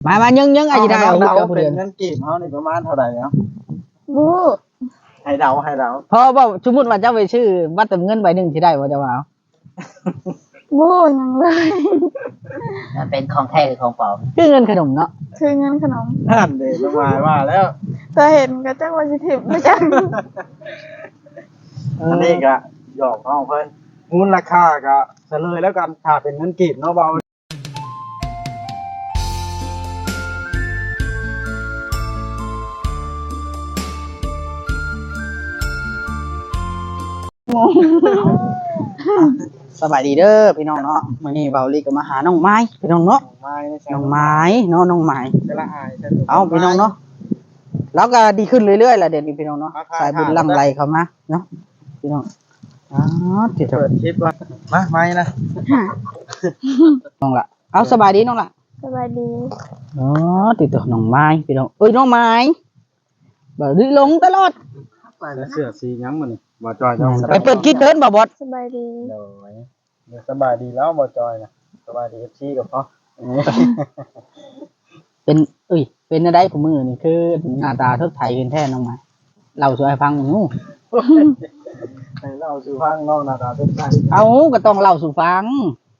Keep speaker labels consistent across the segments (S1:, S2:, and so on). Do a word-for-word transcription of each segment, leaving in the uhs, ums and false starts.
S1: มามายังยังไอ้ได้เอาเจ้าผู้เดือน
S2: เงินกีบเฮานี่ประมาณเท่าไหร่เนาะ
S3: บู๊
S2: ให้เดาให้เดา
S1: พอบ่สมมุติว่าเจ้าไปชื่อวัดเติมเงินใบหนึงสิได้บ่เจ้าว่าเอา
S3: บู๊ยังเลย
S4: มันเป็นของแท้หรือของปลอม
S1: คือเงินขนมเนาะ
S3: คือเงินขนม
S2: นั่นเด้สบายว่าแล้ว
S3: แต่เห็นก็จักว่าสิถิบไม่จัง
S2: อันนี้ก็หยอกน้องเพิ่นมูลราคาก็เฉลยแล้วกันถ้าเป็นเงินกีบเนาะเบา
S1: สบายดีเด้อพี่น้องเนาะมื้อนี้เบาลีก็มาหาน้องไม้พี่น้องเนาะ
S2: ไม้ใน
S1: น้องไม้เนาะน้องไม้
S2: จะละอาย
S1: เอาพี่น้องเนาะแล้วก็ดีขึ้นเรื่อยๆล่ะเดี๋ยวนี้พี่น้องเนาะสายบุญหลั่งไหลเข้ามาเนาะพี่น้องอ๋อติด
S2: เปิดคลิปว่ามาไม้นะ
S1: น้องล่ะเอาสบายดีน้องล่ะ
S3: สบายดี
S1: อ๋อติดตัวน้องไม้พี่น้องเอ้ยน้องไม้บ่ได้ลงตลอด
S2: แล้วเสื้อสีหยังมันบ่จอยเจ้า
S1: ไปเปิดคลิปเถินบ่บอด
S3: สบายดี
S2: โดยเดี๋ยวสบายดีแล้วบ่จอยนะสบายดี เอฟ ซี กับพ่อ
S1: เป็นเอ้ยเป็นอะไรของมือนี่คือหน้าตาทดไทยขึ้นแท้น้องไม้เล่าสู่ให้ฟังหนู
S2: ให้เล่าสู่ฟังน้องหน้าตาเป็นไง
S1: เอาก็ต้องเล่าสู่ฟัง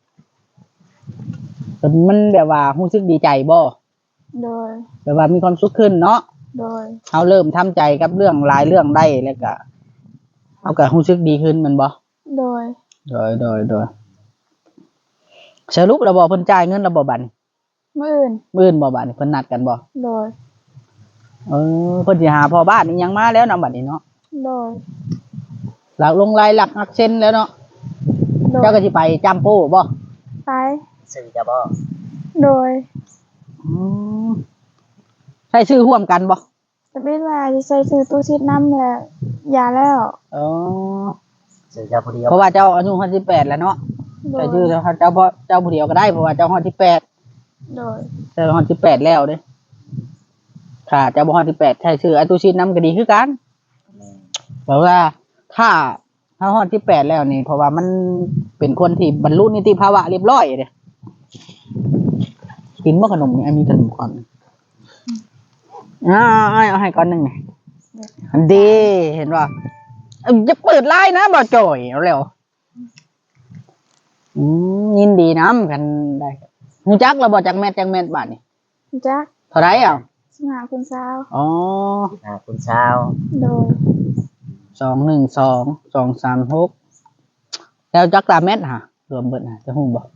S1: แต่มันแบบว่ารู้สึกดีใจบ่
S3: โดย
S1: แบบว่ามีความสุขขึ้นเนาะ
S3: โดย
S1: เอาเริ่มทำใจกับเรื่องหลายเรื่องได้แล้วก็เอาก็รู้สึกดีขึ้นแมันบ่
S3: โดย
S1: โดยโดยโดยสรุประบบเพิ่นจ่ายเงินระบบบัดนี้
S3: มื่ออื่น
S1: มื้ออื่นบ่บัดนี้เพิ่นนัดกันบ่
S3: โดย
S1: เออเพิ่นสิหาพ่อบ้านนี่ยังมาแล้วนำบัดนี้เนาะ
S3: โดย
S1: หลักลงลายหลักอักเซนแล้วเนาะ
S3: โดย
S1: เจ้าก็สิไปจำโป้บ่
S3: ไป
S4: สื่อจะบอก
S3: โดย
S1: อืมใช้ชื่อร่วมกันบ่
S3: แต่เป็นว่าจะใส่ซื้อตู้ชิดน้ำแล้วยาแล้ว
S1: อ๋อ
S4: สื่อจะผู้เดียว
S1: เพราะว่าเจ้าอายุห้าสิบแปดแล้วเนาะ
S3: โด
S1: ใช้
S3: ย
S1: ชื่อเจ้าเจ้าพ่อเจ้าผู้เดียวก็ได้เพราะว่าเจ้าห้าสิบแปด
S3: โดย
S1: เจ้าห้าสิบแปดแล้วเด้ค่ะเจ้าบ่ห้าสิบแปดใช้ชื่ออาตุชินนำก็ดีคือกันเพราะว่าถ้าถ้าห้าสิบแปดแล้วนี่เพราะว่ามันเป็นคนที่บรรลุนิติภาวะเรียบร้อยเด้กินบ่ขนมนี่ไอ้มีขนมก่อนอ่าเอาให้ก่อนหนึงนี่อันดีเห็นว่าจะเปิดไลน์นะบ่จ่อยเอาแล้วอืมยินดีนำกันได้ฮู้จักแล้วบ่จักแม่นจักแม่นบาดนี่
S3: จัก
S1: เท่าไหร่อ่ะ
S3: สมาคุณสาว
S1: อ๋อ
S4: อ่าคุณสาว
S3: โดย
S1: สองหนึ่งสองสองสามหกแล้วจักตาแม่นฮะรวมเบิดฮะจะฮู้บ่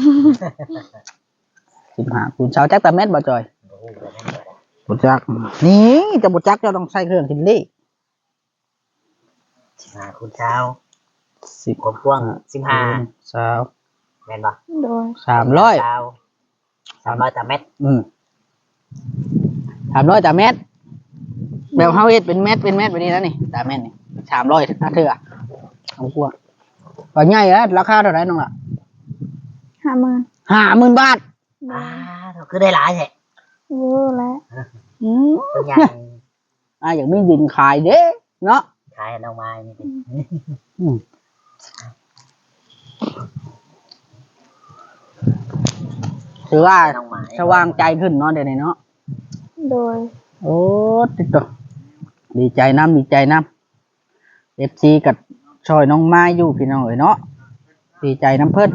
S1: สิบห้าคูณเช้าจักตาแม่นบ่จอยบ่จักนี่จะบ่จักเจ้าต้องใช้เครื่องคิดเลข
S4: สิบห้าคุณสาว
S1: สิบ
S4: กว้างสิบห้า
S1: สาว
S4: แม่นปะ
S3: โดย
S1: สามร้อย
S4: สาวสามร้อยตาเม็ด
S1: อืมสามร้อยตาแม่นแบบเฮาเฮ็ดเป็นแมตเป็นแมตแบบนี้แล้วนี่ตาแม่นนี่สามร้อยถ้าเถื่อเอากว่าว่าใหญ่แล้วราคาเท่าไหร่น้องล่ะ
S3: ห้าหมื่น
S1: ห้าหมื่นบาท
S3: โด
S4: อ่าย คือได้หลายแท้
S3: เวอร์แล้ว
S1: อืม
S4: ตัวใหญ่
S1: อ่าอย่างมีดินขายเด้เนาะ
S4: ขายน้องไม้นี่สิ
S1: อืมถือว่า
S4: น้องไม้
S1: สว่างใจขึ้นเนาะเดี๋ยวนี้เนาะ
S3: โดย
S1: โอ้ติดต่อดีใจน้ำดีใจน้ำเอฟซีกับชอยน้องไม้อยู่พี่น้องเอ๋ยเนาะดีใจน้ำเพิ่น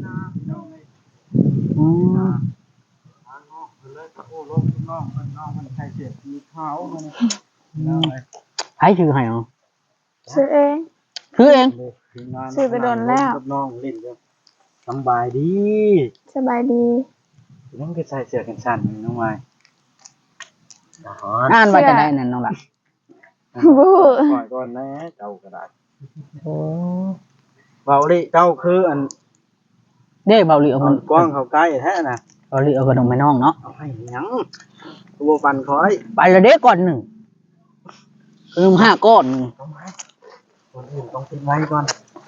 S1: อืม
S2: โอ้ลงน้องมันน้องมันใส่เสื้อสีขาวมันน้องเลย
S1: ให้ชื่อให้เอา
S3: ซื้อเอง
S1: คือเอง
S3: ซื้อไปโดนแล้ว
S2: น้องเล่นกันสบายดี
S3: สบายดี
S2: น้องก็ใส่เสื้อกันสั่นน้องไม้
S4: อ๋อ
S1: อ่านว่าจะได้นั่นน้องล่ะ
S3: บู๊
S2: ปล่อยก่อนนะเจ้าก็ได้โอ้เบาดิเจ้าคืออัน
S1: เด้เบาหลีเอา
S2: มั
S1: มัน น
S2: กว้างเขาใกล้แท้น่ะ
S1: เบาหลีเอาขนมไปน้องเนาะ
S2: เอาให้หยังกูบ่ปันคอย
S1: ไปละเด้ก่อนหนึ่งขนมห้าก้อนหนึ่ง
S2: ต้องให้คนอื่นต้องติดไว้ก่อน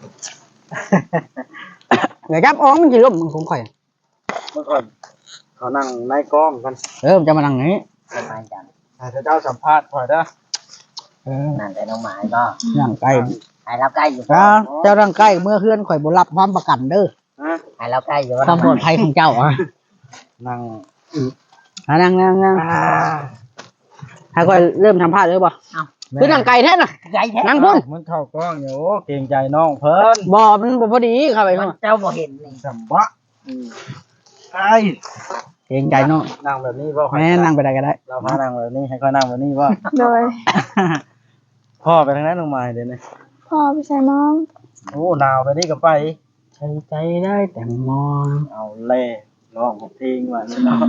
S1: เดี๋ยวจับอ้องมันจะล่มมันคงค่อย
S2: เมื่อก่อนเขานั่งในกล้องกัน
S1: เออมันจะมานั่งอย่างนี้
S4: สบายจัง
S2: ถ้าเจ้าสัมภาษณ์คอยเด้อ
S1: เออ
S4: นั่นแต่น้องไม้ก็
S1: นั่งใกล้
S4: ให้เราใกล้อยู่
S1: จ้าเจ้าร่างใกล้เมื่อเคลื่อนข่อยบรับความประกันเด้อ
S2: ฮะ
S4: ให้เราใกล้อยู่
S1: ความปลอดภัยของเจ้าอ่ะ
S2: นั่ง
S1: อ่ะนั่งนั่งนั่งให้ค่อยเริ่มทำพลาดเลยบ่
S4: เอ้า
S1: คือนั่งไก่แท้น่ะ
S4: ใหญ่แท้
S1: นั่งพุ่น
S2: มันเข้ากล้องอยู่โอ้เกรงใจน้องเพิ่น
S1: บ่มันบ่พอดีเข้าไป
S4: มั
S1: เนาะ
S4: นเจ้าบ่เห็นนี่
S2: สำบะไอ้
S1: เกรงใจเนาะ
S2: นั่งแบบนี้บ่
S1: แม่นั่งไปได้ก็ได้
S2: เราพานั่งแบบนี้ให้ค่อยนั่งแบบนี้บ่
S3: โดย
S2: พ่อไปทางนั้นลงมาเดี๋ยวนี้
S3: พ่อไปใส่มอง
S2: โอ้หนาวไปนี่ก็ไป
S1: ใช้ใจได้แต่มอง
S2: เอาเล่น้องผมทิ้งว่านี่เนาะ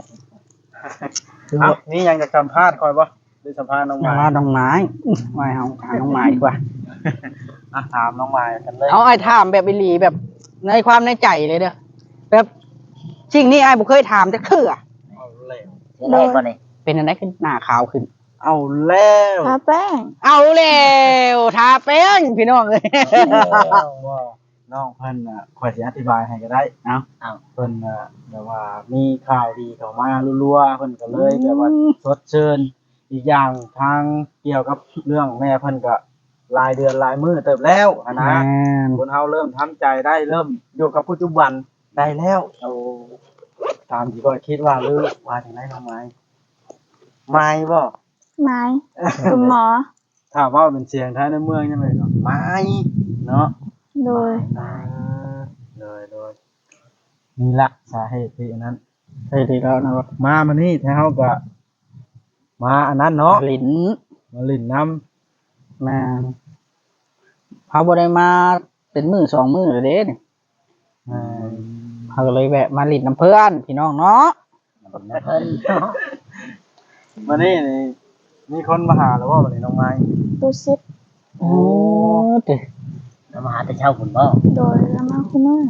S2: เอ้านี่ยังจะสัมภาษณ์คอยบ่ได้สัมภาษณ์น้อง
S1: อย่า
S2: ไม้
S1: ว่าดอกไม้ไว้เอาหาน้องไม้ดีกว่า
S2: อ่ะถามน้องไม้กันเลย
S1: เอาไอ้ถามแบบอีหลีแบบในความในใจเลยเด้อแบบสิ่งนี้ไอ้บ่เคยถามจักเทื่อ
S2: เอาเล่
S4: เสียแรกบ่นี่
S1: เป็นอันไหนขึ้นหน้าขาวขึ้น
S2: เอาแล้ว
S3: ทาแป้ง
S1: เอาแล้วทาแป้งพี่น้องเอ้ย
S2: ว่าน้องเพิ่นน่ะคอยสิอธิบายให้ก็ได้
S1: เอา
S4: เอ้า
S2: เพิ่นน่ะแบบว่ามีข่าวดีเข้ามารัวๆเพิ่นก็เลยแบบว่าสดเชิญอีกอย่างทางเกี่ยวกับเรื่องแม่เพิ่นก็รายเดือนรายมื้อเติบแล้วอะนะ
S1: แม่น
S2: คนเฮาเริ่มทำใจได้เริ่มอยู่กับปัจจุบันได้แล้วโอ้ตามที่ก็คิดว่าหรือว่าจังได๋น้องไม้ไม้บ่
S3: ไม้คุณหมอ
S2: ถ้าเว้าเป็นเสียงไทยในเมืองจังได๋ก็ไม้เนาะ
S3: โดย
S2: อ่าเลยเลยนี่ละสาเหตุที่อันนั้น
S1: ใช่ดีแล้วนะครับ
S2: มามานี่แท้เฮาก็มาอันนั้นเนาะ
S1: ลิ้น
S2: มาลิ่นน้
S1: แม่นเขาบ่ได้มาเป็นมือสองมือเลยเด้นี่
S2: ำอ่า
S1: เขาก็เลยแวะมาลิ้นน้ำเพื่อนพี่น้องเนาะ
S4: เพิ่น
S2: มานี่นี่มีคนมาหาแล้วว่าวันนี้น้องไม้
S3: ตูซิด
S1: โอ้ติ
S4: แล้วมาหาแต่เช้าคุณบ่
S3: โดยแล้วมาคุมือ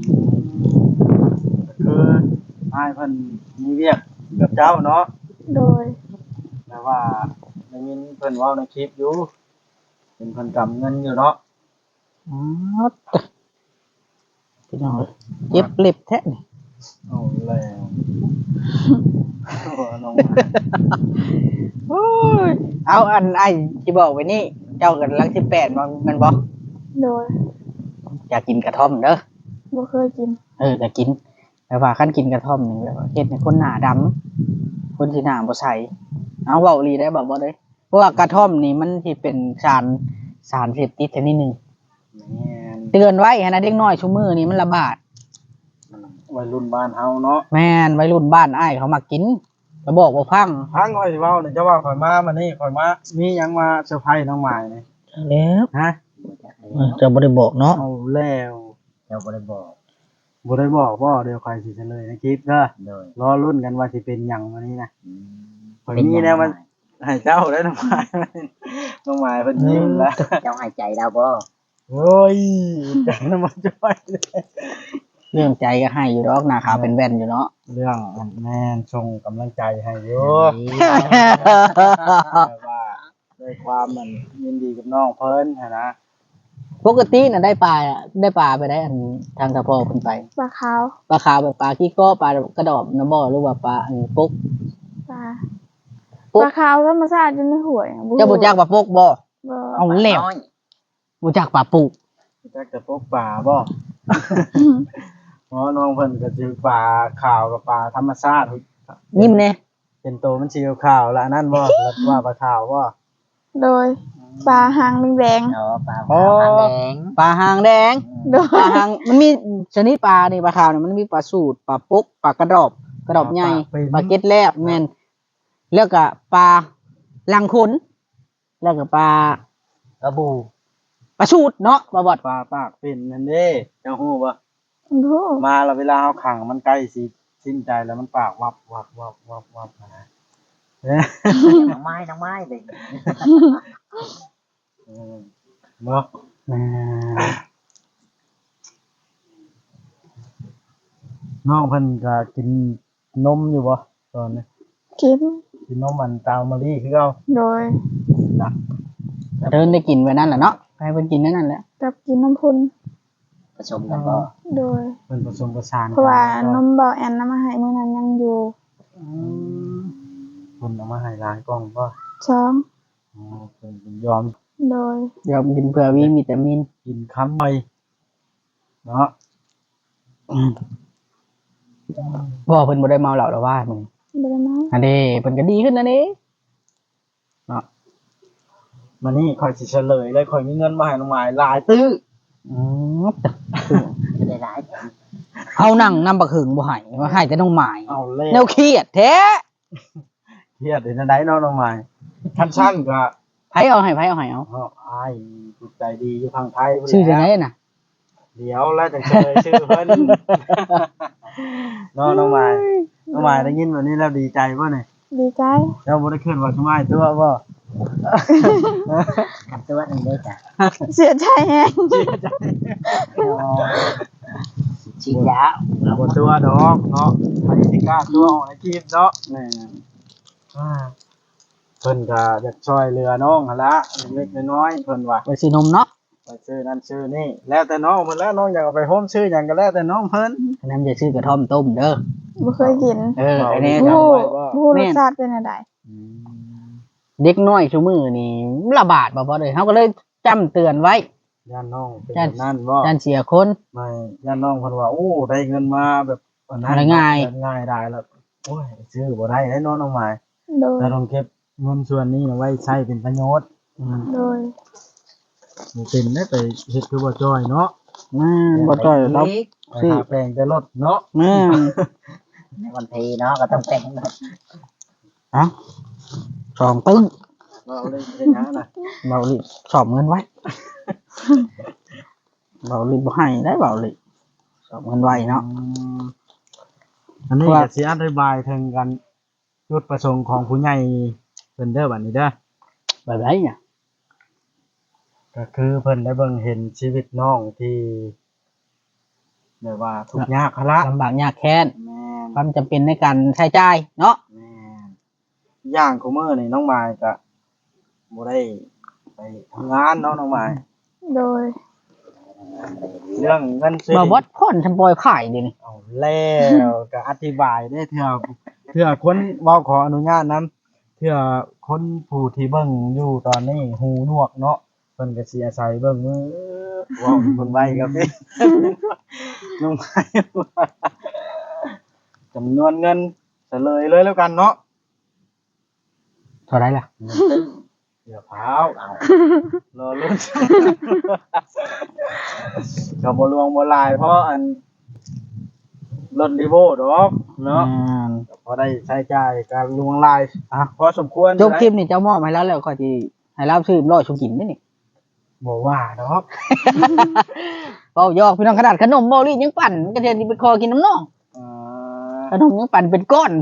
S2: ก็คืออ้ายเพิ่นมีเวียกกับเจ้าเนาะ
S3: โดย
S2: แต่ว่าได้ยินเพิ่นเว้าในคลิปอยู่เป็นเพิ่นกำเงินอยู่เนาะ
S1: อ๋อติพี่น้องเอ้ยเจ็บเล็บแท้นี่
S2: เอาแล้วโอ้น้องไม้
S1: โอ้ยเอาอันไอ้ที่บอกไว้นี่เจ้ากันลังสิบแปดมันมันบ่
S3: โดย
S1: อยากกินกระท่อมเด้อ
S3: บ่เคยกิน
S1: เอออยากกินแต่ว่าขั้นกินกระท่อมนี่แบบว่าเฮ็ดให้คนหน้าดำคนที่หน้าบ่ใสเอาเว้าอีหลีได้บ่บ่เด้เพราะว่ากระท่อมนี่มันสิเป็นสารสารเสพติดชนิดหนึง
S2: แม่น
S1: เตือนไว้หั้นนะเด็กน้อยชุมือนี่มันระบาด
S2: วัยรุ่นบ้านเฮาเนาะ
S1: แม่นวัยรุ่นบ้านอ้ายเขามากินก็บอกบ่ฟัง
S2: พังข่อยสิเว้าเนี่ยจะว่าข่อยมามานี่ข่อยมามีหยังมาเซอร์ไพรส์น้องไม้นี่
S1: แล้ว
S2: ฮะ
S1: จะบ่ได้บอกเนาะ
S2: เอาแล้ว
S4: เจ้าบ่ได้บอก
S2: บ่ได้บอกว่าเดี๋ยวข่อยสิเฉลยในคลิปเด้อ
S4: โดย
S2: รอรุ่นกันว่าสิเป็นหยังวันนี้นะ
S4: อืม
S2: ข่อยมีแล้วมันให้เจ้าได้น้องไม้น้องไม้เพิ่นยิ้มแล้ว
S4: เจ้าหายใจแล้วบ่
S2: โอ้ยจังนำมาจ่อยเลย
S1: เรื่องใจก็ให้อยู่ดอกหน้าขาวเป็นแว่นอยู่เนาะ
S2: เรื่องอันแม่นส่งกำลังใจให้อยู่แต่ว่าด้วยความมันยินดีกับน้องเพิ่นหั้นนะ
S1: ปกติน่ะได้ปลาอะได้ปลาไปได้อันทางตะพอเพิ่นไป
S3: ปลาขาว
S1: ปลาขาวแบบปลาขี้ก้อปลากระดอบน้ำบ่อหรือว่าปลาอันปุ๊ก
S3: ปลา
S1: ปุ๊บ
S3: ปลาขาวธรรมชาติอยู่ในห้วย
S1: เจ้าบ่จักปลาปุ๊กบ่
S3: บ่
S1: เอาแล้ว
S4: น้อย
S1: บ่จักปลาปุก
S2: จักจะพกป่าบ่เพราะน้องเพิ่นก็สิป่าขาวกับป่าธรรมชาติ
S1: ยิ้มแน่
S2: เป็นโตมันสีขาวๆแล้วอันนั่นบ่แล้วว่าปลาขาวบ่
S3: โดยปลาหางแดง
S4: เนาะปลาขาวหางแดง
S1: ปลาหางแดง
S3: ๆโด
S1: ปลาย หางมันมีชนิดปลานี่ปลาขาวเนี่ยมันมีปลาสูตรปลาปุ๊กปลากระดอบกระดอบใหญ่ปลาเก็ดแลบแม่นแล้วก็ปลาลังคุนแล้วก็ปลาก
S4: ระบู
S1: ปลาสูตรเนาะปลาบอด
S2: ปลาปากเป็นนั่นเด้เจ้าฮู้บ่
S3: โอ้
S2: มาแล้วเวลาเฮาขังมันใกล้สิสิ้นใจแล้วมันปากวับวับวับวับวับนะเอ้ย
S4: น้องไม้น้องไม้เลย
S2: เออเนาะ
S1: แม่
S2: น้องเพิ่นก็กินนมอยู่บ่ตอนนี้
S3: กิน
S2: กินนมมันตามมะลิคือเก่า
S3: โดย
S2: นะ
S1: เดินได้กินไว้นั่นแหละเนาะให้เพิ่นกินนั่นแหละ
S3: กับกินน้ำพุน
S4: ผสมกันบ่
S3: โดย
S2: เพิ่นผสมประสาน
S3: เพราะว่า
S2: กัน
S3: นมเบาแอนน้ำมาให้มื้อนั้นยังอยู่
S2: เพิ่นเอามาให้หลายกล่องบ่
S3: ช้อง
S2: อ๋อเพิ่นยอม
S3: โดย
S1: เดี๋ยวกินเพื่อวิวิตามิน
S2: กินคำไปเนาะ
S1: บ่เพิ่นบ่ได้เมาเหล้าแล้วว่ามื้อนี้
S3: บ่ได้มา
S1: อันนี้เพิ่นก็ดีขึ้นนะนี่
S2: มานี่ข่อยสิเฉลยเลยข่อยมีเงินมาให้น้องหมายหลายตื้อ
S1: อืม
S4: จะได้หลาย
S1: เอานั่งนำบักหึงบ่ให้ว่าให้แต่น้องหมาย
S2: เอาเล่
S1: แนวเครียดแท้
S2: เฮียดในใดเนาะน้องหมายท่านชั้นก็
S1: ไผเอาให้ไผเอาให้เอา
S2: เอาอ้ายจิตใจดีอยู่ทางไทยพุ่น
S1: ชื่อจัง
S2: แห
S1: ได
S2: ละ
S1: น่ะ
S2: เดี๋ยวแล้วจะเฉลยชื่อเพิ่นเนาะน้องหมายน้องหมายได้ยินแบบนี้แล้วดีใจบ่เนี่ย
S3: ดีใจ
S2: เจ้าบ่ได้ขึ้นว่าสมัยตัวบ่
S4: ตัวนึงได้จ้ะ
S3: เสียใจแฮง
S4: ฉีดยา
S2: บ่ตัวดอกเนาะใครสิกล้าตัวออกในคลิปเนาะ
S1: แม่
S2: อ่าเพิ่นก็อยากช่วยเหลือน้องหั่นละเล็กๆน้อยๆเพิ่นว่า
S1: ไปซื้อนมเนาะ
S2: ไปซื้อนั่นซื้อนี่แล้วแต่น้องเพิ่นแล้วน้องอยากเอาไปโฮมซื้อหยังก็แล้วแต่น้องเพิ่น
S1: อันนั้นจะซื้อกระท่อมต้มเด้อ
S3: บ่เคยกิน
S1: เอออันนี้
S2: จำ
S3: ผู้
S2: ไว้ว่า
S3: ผู้รสชาติเป็นจังได๋
S1: เด็กน้อยซุมื้อนี่ระบาดบ่พอเลยเฮาก็เลยจำเตือนไว้
S2: ย่านน้องเป็นแบบนั้นบ่
S1: ย่านเสียคน
S2: ไม่ย่านน้องเพิ่นว่าโอ้ได้เงินมาแบบวันนั้น
S1: อะไรง่าย
S2: ง่ายได้แล้วโอ้ยซื้อบ่ได้ได้น้องน้องหมาย
S3: โดย
S2: แต่ต้องเก็บเงินส่วนนี้เอาไว้ใช้เป็นประโยชน์
S1: อืม
S3: โดย
S2: บ่เป็นได้ไปเฮ็ดคือบ่จ้อยเนาะ
S1: แม่นบ่จ้อยครับ
S2: ไปหาแปลงแต่รถเนาะ
S1: แม่น
S4: ในวันทีเนาะก็ต้องแต่ง
S1: เอ้าสองปึ้ง
S2: เราเลยเป็นหยังน่ะ
S1: เบาลิสอบเงินไว้ เบาลิบ่ให้ได้เบาลิสอบเงินไว้เนาะ
S2: อืมอันนี้
S1: ว่า
S2: ก็สิอธิบายถึงกันจุดประสงค์ของผู้ใหญ่เพิ่นเด้อบัดนี้เด้อ
S1: แบบไรเนี่ย
S2: ก็คือเพิ่นได้เบิ่งเห็นชีวิตน้องที่แบบว่าทุกข์ยากหั่นละ
S1: ลำบากยากแค้น
S2: แม่น
S1: ความจำเป็นในการใช้จ่ายเนาะ
S2: แม่นอย่างของมื้อนี่น้องมายก็บ่ได้ไปทำงานเนาะน้องมาย
S3: โดย
S2: เรื่องเงินซื้อ
S1: บ่วัดพ่อนชำปอยขายเดี๋ยวนี้
S2: เอาแล้วก็อธิบายได้เทื่อเทื่อคนเว้าขออนุญาตนํเทื่อคนผู้ที่เบิ่งอยู่ตอนนี้หูหนวกเนาะเพิ่นก็สิอาศัยเบิ่งมือเว้าคนไว้ครับนี่ น้องมายจำนวนเงินเฉลยเลยแล้วกันเนาะ
S1: เท่าไรล่ะ
S2: เดี๋ยวพาวเอารอลุ้น กับบลวงบลายเพราะอันรถรีโวดอกเนาะ
S1: อืม
S2: ก็พอได้ใช้จ่ายการลวงลายอ่ะพอสมควร
S1: จบคลิปนี่เจ้ามอบให้แล้วแล้วก็สิให้เราซื้อร้อยชุกินนี่นี่
S2: บอกว่าดอก
S1: เป้ายอกพี่น้องขนาดขนมบ่รียังปั่นก็จะไปคอกินน้ำน้อง
S2: อ่า
S1: ขนมยังปั่นเป็นก้อน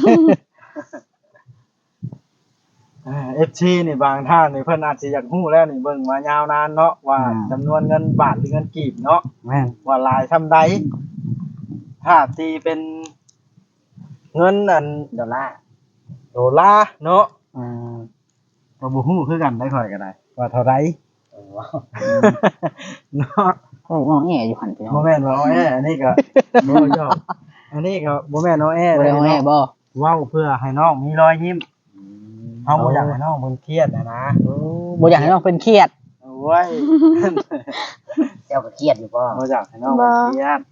S2: เอฟซีนี่บางท่านนี่เพิ่นอาจสิอยากฮู้แล้วนี่เบิ่งมายาวนานเนาะว่า
S1: อืม
S2: จำนวนเงินบาทหรือเงินกีบเนาะ
S1: แม่น
S2: ว่าหลายทำใดถ้าตีเป็นเงินอัน
S4: ดอลลาร์
S2: โดลาร์เนาะ
S1: อืม
S2: ก็บ่ฮู้คือกันได้ค่อยก็ได้ว่าเท่าไร
S4: โอ้
S2: เนาะ
S1: โอ้อ้อแออยู่หั่นพี่น้อง
S2: บ่แม่นว่าเอาแออันนี้ก็บ่ยอมอันนี้ก็บ่แม่นเอาแอ
S1: บ่ได้เอาแอบ่
S2: เว้าเพื่อให้น้องมีรอยยิ้มเฮาบ่อยากให้น้องเพิ่นเครียดนะนะ
S1: บ่อยากให้น้องเป็นเครียด
S2: โอ้ย
S4: เจ้าก็เครียดอยู่ป่ะ
S2: บ่อยากให้น้องเพิ่นเครียด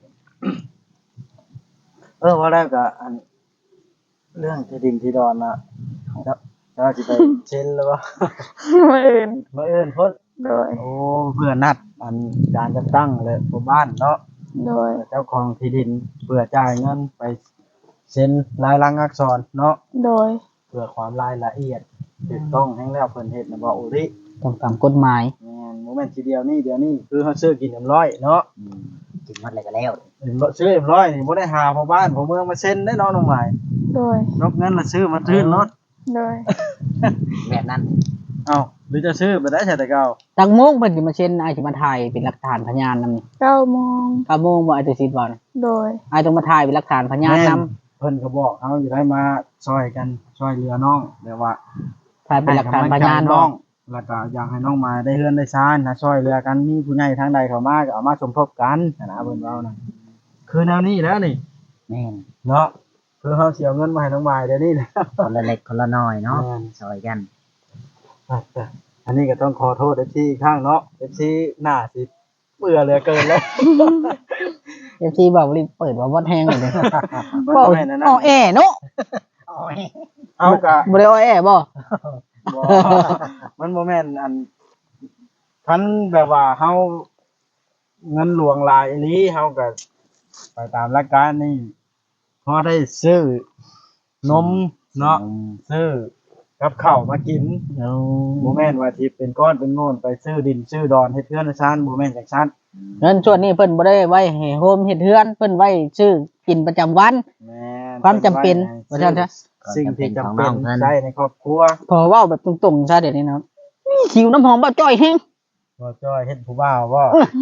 S2: เออว่าแล้วก็อันเรื่องที่ดินที่ดอนน่ะเจ้าเจ้าสิไปเซ็นแล้วบ่
S3: มื้ออื่น
S2: มาเอิ้นเพิ่น
S3: โดย
S2: โอ้เพื่อนัดอันการจัดตั้งเลยหมู่บ้านเนาะ
S3: โดย
S2: เจ้าของที่ดินเพื่อจ่ายเงินไปเซ็นลายลักษณ์อักษรเนาะ
S3: โดย
S2: เพื่อความรายละเอียดถูกต้องให้แล้วเพิ่นเฮ็ดนะบ่อุริ
S1: ต้องตามกฎหมาย
S2: แม่นบ่แม่นทีเดียวนี่เดียวนี่คือเฮาซื้อกินเอ็มร้อยเนาะ
S4: กินหมดเลยก็แล้ว
S2: เอ็มร้อยซื้อเอ็มร้อยนี่บ่ได้หาพ่อบ้านพ่อเมืองมาเซ็นได้เนาะน้องหมาย
S3: โดย
S2: นกเงินละซื้อมาทื่นรถ
S3: โดย
S4: แบบนั้น
S2: เอ้าหรือจะซื้อไปได้ใช่แต่เก่า
S1: ตักโมงเพิ่นสิมาเซ็นอ้ายสิมาถ่ายเป็นหลักฐานพยานนำนี่
S3: เก้าโมง
S1: เก้าโมงบ่อ้ายจะสิบ่นะ
S3: โดย
S1: อ้ายต้องมาถ่ายเป็นหลักฐานพยานนำ
S2: เพิ่นก็บอกเฮาอยู่ได้มาช่วยกันช่วยเหลือน้องแต่ว่า
S1: ถ่ายเป็นหลักฐานพยาน
S2: ให้กำลังใจ
S1: บ่
S2: น้องแล้วก็อยากให้น้องมาได้เฮือนได้ซ่านนะช่วยเหลือกันมีผู้ใหญ่ทางใดเข้ามาก็เอามาสมทบกันนะเพิ่นเว้านะคือแนวนี้แล้วนี่
S4: แม่น
S2: เนาะคือเฮาสิเอาเงินมาให้น้องมายเดี๋ยวนี้นะ
S4: คนละเล็กคนละน้อยเนาะ
S2: แม่น
S4: ซอยกัน
S2: อันนี้ก็ต้องขอโทษ เอฟ ซี อีกครั้งเนาะ เอฟ ซี หน้าสิเบื่อเหลือเกินแล้ว
S1: เอฟซีบอกว่าเปิดว่าวัดแฮงเลยเด้
S2: มัน
S1: เว้า
S2: ก็แม่นนะนะ
S1: อ้อแอเนาะ
S4: โอ้ย
S2: เอากะ
S1: บ่ได้อ้อแอบ่
S2: บ่มันบ่แม่นอันคันแบบว่าเฮาเงินหลวงหลายอีหลีเฮาก็ไปตามหลักการนี่พอได้ซื้อนมเนาะซื้อกับข้าวมากิน
S1: เอา
S2: บ่แม่นว่าที่เป็นก้อนเป็นโง่นไปซื้อดินซื้อดอนเฮ็ดเทือนให้ซ่านบ่แม่นจังซั่น
S1: เงินส่วนนี้เพิ่นบ่ได้ไว้ให้โฮมเฮ็ดเฮือนเพิ่นไว้ซื้อกินประจำวัน
S2: แม่น
S1: ความจำเป็นว่าซั่นซะ
S2: สิ่งที่จำเป็นใช้ในครอบครัว
S1: พอเว้าแบบตรงๆซะเดี๋ยวนี้นะนี่หิวน้ำหอมบ่จ้อยแฮง
S2: บ่จ้อยเฮ็ดผู้บ่าวบ่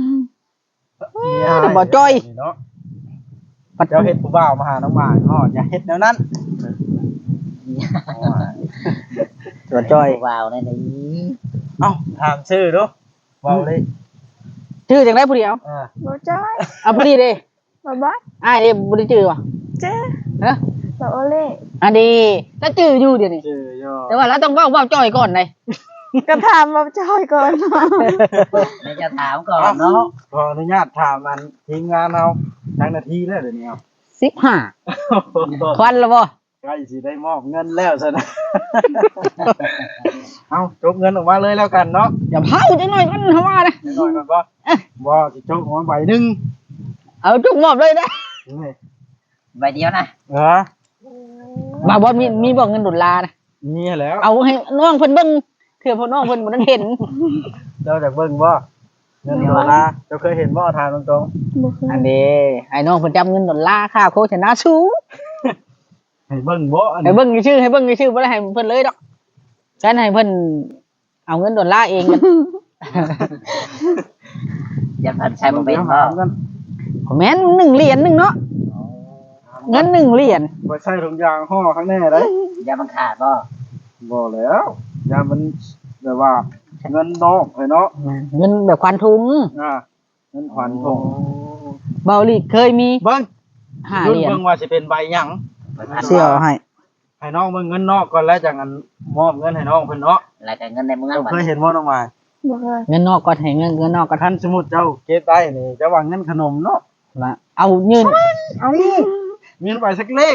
S1: บ่จ้อย
S2: เนาะเจ้าเฮ็ดผู้บ่าวมาหาน้องหมายอ้ออย่าเฮ็ดแนวนั้น
S1: บ่จ้อย
S4: ว้าวนั่นนี่
S2: เอ้าถามชื่อดูเว้าเลย
S1: ชื่อจังได๋ผู้เดียว
S2: อ่า
S3: บ่จ้อย
S1: เอาผู้นี้เด้
S3: บ่บอส
S1: อ้ายเด้บ่ได้ชื่อว่ะ
S3: เจ้
S1: ฮะ
S3: บ่โอเล่
S1: อันนี้แล้วชื่ออยู่เดี๋ยวนี้
S2: ชื่อย่อ
S1: แต่ว่าเราต้องเว้าเว้าจ้อยก่อนเลย
S3: ก็ถามบ่จ้อยก่อนเนาะ
S4: ไม่จะถามก่อนเนาะ
S2: ขออนุญาตถามอันทีมงานเราจังนาทีแล้วเดี๋ยวนี้เอา
S1: สิบห้าควันแล้วบ่
S2: ใกล้สิได้มอบเงินแล้วซะนะ เอาจกเงินออกมาเลยแล้วกันเนาะ
S1: อย่าเผาจังหน่อยมันเฮาว่านะ
S2: นิดหน่อยก่อนบ่บ่สิจกออกมาใบหนึง
S1: เอาจุกหมอบเลยนะ
S2: นี่
S4: ใบเดียวนะ
S2: เออ
S1: บ่บ่มีมีบ่เงินดอลลาร์นะ
S2: นี่แหล้ว
S1: เอาให้น้องเพิ่นเบิ่งเถื่อพ่อน้องเพิ่นบ่ทันเห็น
S2: เจ้าจากเบิ่งบ่เงินดอลลาร์เจ้าเคยเห็นบ่ทานตรง
S3: บ่เคย
S1: อันนี้ไอ้น้องเพิ่นจำเงินดอลลาร์ค่าโฆษณาสูง
S2: ๆให้เบิ่งบ่อัน
S1: ให้
S2: นี้
S1: เบิ่งชื่อให้เบิ่งชื่อบ่ได้ให้เพิ่นเลยดอกฉันให้เพิ่นเอาเงินดอลลาร์เองกัน
S4: อย่าพันใช้บ่เป็น
S2: ดี๋ยว
S4: บ่
S2: หากัน
S1: แม่นหนึ่งเหรียญหนึงเนาะเงินหนึ่งเหรียญ
S2: บ่ใช่ถุงยางห่อข้างแน่เด้
S4: อย่ามันขาดบ่
S2: บ่แล้วยามันแบบว่าเงินนอกเลยเนาะ
S1: เงินแบบควันทุง
S2: อ่าเงินขวัญทง
S1: เบาหลีเคยมี
S2: เบิ่ง
S1: ห้า
S2: รุ่
S1: เห
S2: น
S1: รียญ
S2: เบิ่งว่าสิเป็นใบหยัง
S1: เสี่ยวให้
S2: ให้น้องเบิ่งเงินนอกก่อนแล้วจังอันมอบเงินให้น้องเพิ่นเนาะ
S4: แล้วก็เงินในเมือง
S2: เจ้า
S4: บัด
S2: เคยเห็นบ่น้องหมาย
S3: บ่เคย
S1: เงินนอกก็ให้เงินเงินนอกก็ทั
S2: ท่าน นสมมุติเจ้าเก็บได้นี่จะว่าเงินขนมเนาะ
S1: ละเอายืน
S2: เอามีไปสักเลข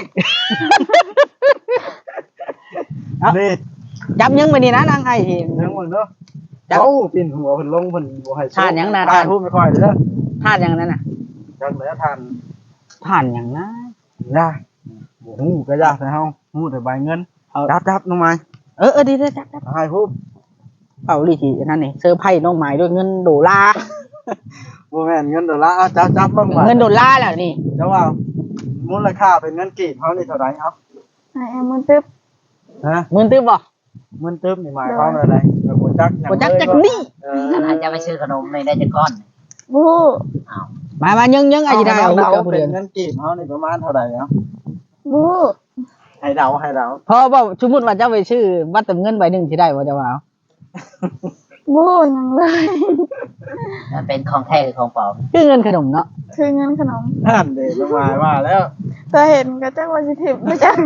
S2: นี่
S1: จับยังไปนี่นะนางไอ้ที่
S2: ทั้งหมดเนาะ
S1: จับ
S2: เจ้าปิ่นหัวเพิ่นลงเพิ่นบ่ให้
S1: ทานหยังน่ะ
S2: ทานพูดไม่ค่อยเด้อ
S1: ทานอย่างนั้นน่ะ
S2: จังเหลือทาน
S1: ทานอย่างนะ
S2: นะบ่ฮู้ก็ยากให้เฮาฮู้แต่ใบเงิน
S1: เอา
S2: จับจับน้องหมาย
S1: เออเออดีเลยจับจับ
S2: ให้ฮู้
S1: เอาลีทีนั่นนี่เซอร์ไพรส์น้องหมายด้วยเงินโดลาร์
S2: บ่แม่นเงินดอลลาร์เอาจับจับเบิ่งว่า
S1: เงินโดลาร์แหละนี่
S2: เจ้าว่ามูลค่าเป็นเงินกีบเฮานี่เท่าไหร่เอา
S3: ไอ้แอมมันตึ๊บ
S2: ฮะ
S1: เงินตื้อบ่
S2: เงินตึ๊บนี่หมายความว่าอะไรแบบบ่จักหยัง
S1: บ่จักจักนี่
S2: เออ
S4: ขนาดจะไปซื้อขนมในได้จักก้อน
S3: บ่ฮู้
S4: อ้าว
S1: มามายังยังไอ้ที่ได้เอา
S2: เดา
S1: เอาผู้
S2: เป็
S1: เดีย
S2: น
S1: ว
S2: เงินกีบเฮานี่ประมาณเท่าไหร่เนาะ
S3: บ่ฮู้
S2: ให้เดาให้เดา
S1: พอบ่สมมุติว่าเจ้าไปชื่อวัดเติมเงินใบหนึงสิได้บ่เจ้าว่าเอา
S3: บ่ฮู้หยังเลย
S4: มันเป็นของแท้หรือของปลอม
S1: คือเงินขนมเนาะ
S3: คือเงินขนม
S2: นั่นเด้ประมาณว่าแล้ว
S3: แต่เห็นก็จักว่าสิถิบบ่จัก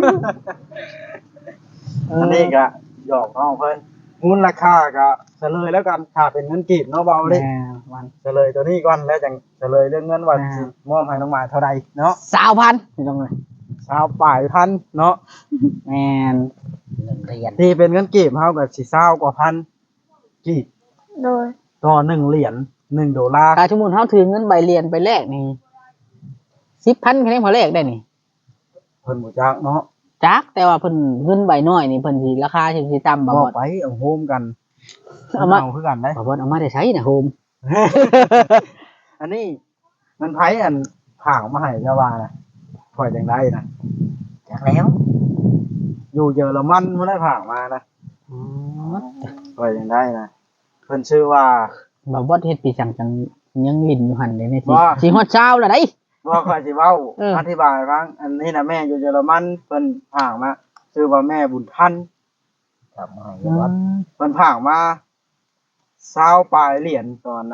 S2: อันนี้ก็หยอกน้องเพิ่นมูลค่าก็เฉลยแล้วกันถ้าเป็นเงินกีบเนาะเบาเลย
S1: แม่วัน
S2: เฉลยตัวนี้ก่อนแล้วจังเฉลยเรื่องเงินว่าสิมอบให้น้องหมายเท่าใดเนาะ
S1: สาวพันไม่ต้องเลย
S2: ชาวป่ายพันเนาะ
S1: แม่น
S4: เงินเรียน
S2: ที่เป็นเงินกีบเฮาก็สิเศร้ากว่าพันกีบ
S3: โดย
S2: ต่อหนึ่งเหรียญหนึ่งดอลลาร์
S1: ถ้าสมมุติเฮาถือเงินใบเรียนไปแลกนี่สิบพันคะแนนพอแลกได้นี่
S2: เพิ่นบ่จักเนาะ
S1: จักแต่ว่าเพิ่นเงินใบน้อยนี่เพิ่นสิราคาสิสิต่ำบ่
S2: บ
S1: บ่
S2: อกไปเอาโฮมกัน
S1: เอามา
S2: เอาคือกันได้
S1: บ่บ่เอามาได้ใช้นะโฮม
S2: อันนี้มันไผอันผ่างมาให้เจ้าว่านะข่อยจังได้นะ
S4: จากแล้ว
S2: อยู่เยอรมันบ่ได้ผ่างมานะข่อยจังได้นะเพิ่นชื่อว่า
S1: บ่บ่เฮ็ดปีสังจังยังลิ้นอยู่หั่นเลยนี่สิ
S2: ว่า
S1: สิฮอดเช้าแล้วได้
S2: บ่ข่อยสิเว้า
S1: เออ
S2: อธิบายให้ฟังอันนี้นะแม่อยู่เยอรมันเพิ่นผ่างมาชื่อว่าแม่บุญทัน
S4: กลับมาให้วัด
S2: เพิ่นผ่างมาเศร้าปลายเหรียญตอนนะ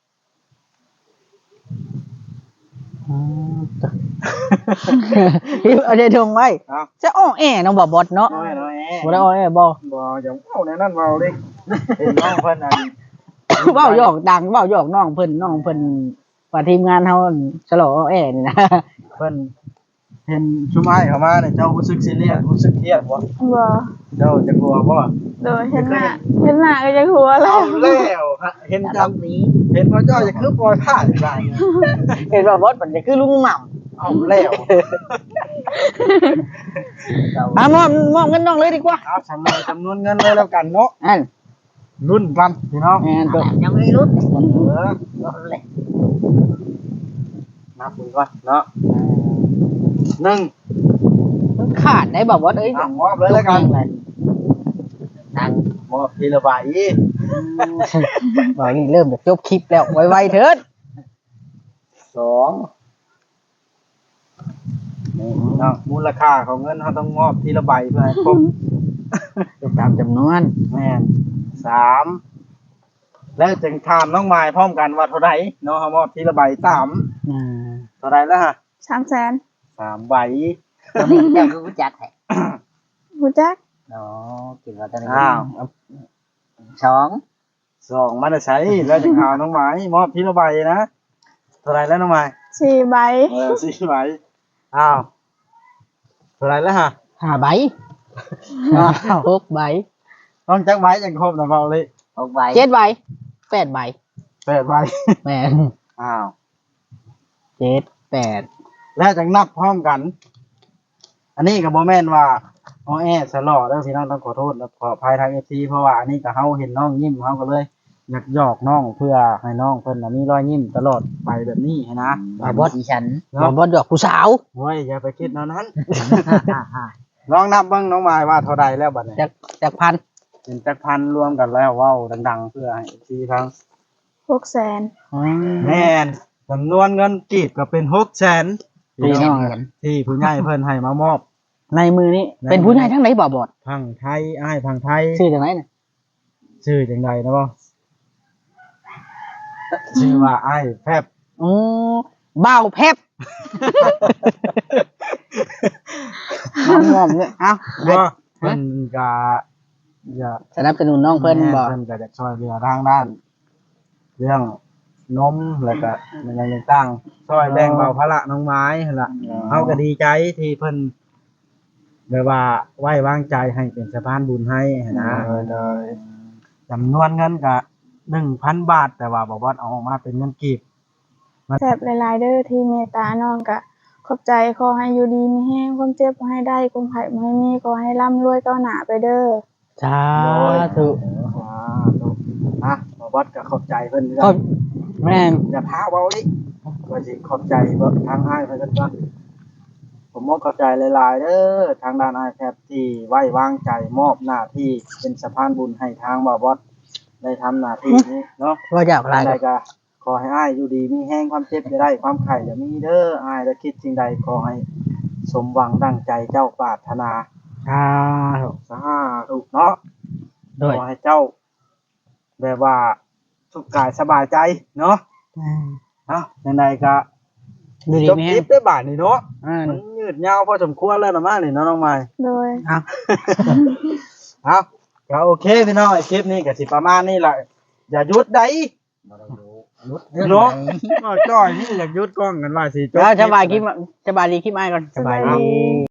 S1: อืมพี่เอาได้ทงไว้
S2: เอ้า
S1: จะอ้อแอน้องบ่บดเนาะ
S2: น้อยน้อยแอ
S1: บ่ได้อ้อแอบ่
S2: บ่อย่าเว้าในนั้นเว้าเด้เห็นน้องเพิ่นอัน
S1: เว้าหยอกดังเว้าหยอกน้องเพิ่นน้องเพิ่นว่าทีมงานเฮาฉลองอ้อแอนี่นะ
S2: เพิ่นเห็นชุมอ้ายเข้ามาเนี่ยเจ้ารู้สึกซีเรียสรู้สึกเครียดบ่
S3: บ่
S2: เจ้าจะกลัวบ่
S3: โดยเห็นหน้าเห็นหน้าก็จะหัวแล้
S2: เอา
S3: ว
S2: แล้วฮะเห็น
S4: อาร
S2: จำ
S4: มณ์ดี
S2: เห็นพ่อจ้อยจะคือปล่อยผ้าอีกแล้วเนี่ย
S1: เห็นว่าบอสมันจะคือลุงหม่
S2: เอาแล้ว
S1: ำอ่ะมอบมอบเงินน้องเลยดีกว่า
S2: เอาจำนวนจำนวนเงินเลยแล้วกันเนาะ
S1: อัน
S2: รุ่นกันพี่น้อง
S1: แอนตัว
S4: ยังไม่รู้
S2: เออ
S4: รู้เลย
S2: นับมือก่อนเนาะหนึ่ง
S1: มันขาดได้บอกบอสเอ้ย
S2: อ่ะมอบเลยแล้วกัน
S4: ตัง
S2: มอบทีละใบ
S1: บอกนี่เริ่มจากจบคลิปแล้วไวๆเถิด
S2: สองนี่เนาะมูลค่าของเงินเขาต้องมอบทีละใบเพื่อให้ครบ
S1: ตามจำนวน
S2: แม่นสามแล้วจึงถามน้องไม้พร้อมกันว่าเท่าไหร่เนาะเขามอบทีละใบสาม
S1: อ่า
S2: เท่าไหร่แล้วฮะ
S3: สามแสน
S2: สามใบ
S4: ตอนนี้เจ้าคือรู้จักแท้
S3: รู้จัก
S4: อ๋อกินว่าตอนนี้
S2: อ้าว
S4: สอง
S2: สองมันจะใช้แล้วจึงถามน้องไม้มอบทีละใบนะเท่าไหร่แล้วน้องไม้
S3: สี่ใบ
S2: เออสี่ใบอ้าวเท่าไหร่แล้วฮะ
S1: ห้าใบอ้าวหกใบ
S2: ต้องจักใบจังครบนะเบาเลย
S4: หกใบ
S1: เจ็ดใบแปดใบ
S2: แปดใบ
S1: แม่น
S2: อ้าว
S1: เจ็ดแปด
S2: แล้วจังนับพร้อมกัน อันนี้กับโบแมนว่าอ้อแอสลอเด้อพี่น้องต้องขอโทษและขออภัยทางเอฟซีเพราะว่าอันนี้กับเฮาเห็นน้องยิ้มเฮาก็เลยอยากหยอกน้องเพื่อให้น้องเพิ่นน่ะมีรอยยิ้มตลอดไปแบบนี้ให้นะ
S4: บอสดิฉัน
S1: บอ
S2: เนาะ
S1: กบอสดอกผู้สาว
S2: โอ้ยอย่าไปคิดเท่านั้น ลองนับเบิ่งน้องมายว่าเท่าใดแล้วบัดนี้
S1: จากจากพัน
S2: เป็นจักพันรวมกันแล้วเว้าดังๆ เพื่อให้เอฟซีทั้ง
S3: หกแสน
S2: แม่นจำนวนเงินกีบก็เป็นหกแสน
S1: พี่น้อง
S2: ที่ผู้ใหญ่เพิ่นให้มามอบ
S1: ในมือนี้
S2: ในมือ
S1: เป็นผู้ใหญ่ทั้งไหนบ่บอส
S2: พังไทยอ้ายพังไทย
S1: ชื่อจากไหนน่ะ
S2: ชื่อจังไดนะบ่ชื่อว่าอ้ายแพบ
S1: อ๋อบ่าวแพบน้องงอมเนี่ยเอ้า
S2: บ่เพิ่นก็อย่า
S1: สนับสนุนน้องเพิ่นบ่
S2: เพิ่นก็จะช่วยเหลือทางด้าน เรื่องนมแล้วก็มันยังต่างๆช่วยแบ่งเบาภาระน้องไม้หั่นล่ะเฮาก็ดีใจที่เพิ่นแบบว่าไว้วางใจให้เป็นสะพานบุญให้หั้นนะจำนวนเงินก็หนึ่งพันบาท แต่ว่าบ่ว่าเอาออกมาเป็นเงินกีบ
S3: แซ่บหลายๆเด้อที่เมตตาน้องก็ขอบใจขอให้อยู่ดีมีแห้งความเจ็บบ่ให้ได้ความไข้บ่ให้มีขอให้ร่ำรวยก้าวหน้าไปเด้อ
S1: สาธุ
S2: อ่าถูกอ่ะบ่ว่าก็ขอบใจเพิ่น
S1: ก็แม่น
S2: อย่าพาเว้าลิก็สิขอบใจเบิ่ทางอ้ายเพิ่นก็ผมมอบขอบใจหลายๆเด้อทางด้านอ้ายแพทย์ที่ไว้วางใจมอบหน้าที่เป็นสะพานบุญให้ทางบ่าวบอสได้ทำหน้าที่นี้เนาะ
S1: ว่าจะเอาอะไร
S2: อะไรก็ขอให้อ้ายอยู่ดีมีแห้งความเจ็บจะได้ความไข่จะมีเด้ออ้ายและคิดสิ่งใดขอให้สมหวังดังใจเจ้าปรารถนา
S1: สาธุ
S2: สาธุเนาะ
S1: โดย
S2: ขอให้เจ้า แบบว่าสุขกายสบายใจเนาะเนาะยังไงก็
S1: ดูดี
S2: จบ
S1: ไหม
S2: คลิปด้วยบาทนี่เนาะ
S1: อ่า
S2: มันยืดยาวพอสมควรแล้วนะมานี่เนาะน้องไม้
S3: โดย
S1: เอา
S2: เอาก็โอเคพี่น้องไอ้คลิปนี้ก็สิประมาณนี้แหละอย่าหยุดได้
S4: บ่ได้รู้
S2: เนาะก็จ้อยนี่อยากหยุดกล้องกันว่าสิจบ
S1: แล้ว
S2: คลิป
S1: สบายคลิปสบายดีคลิปไอ้ก่อน
S3: สบายดี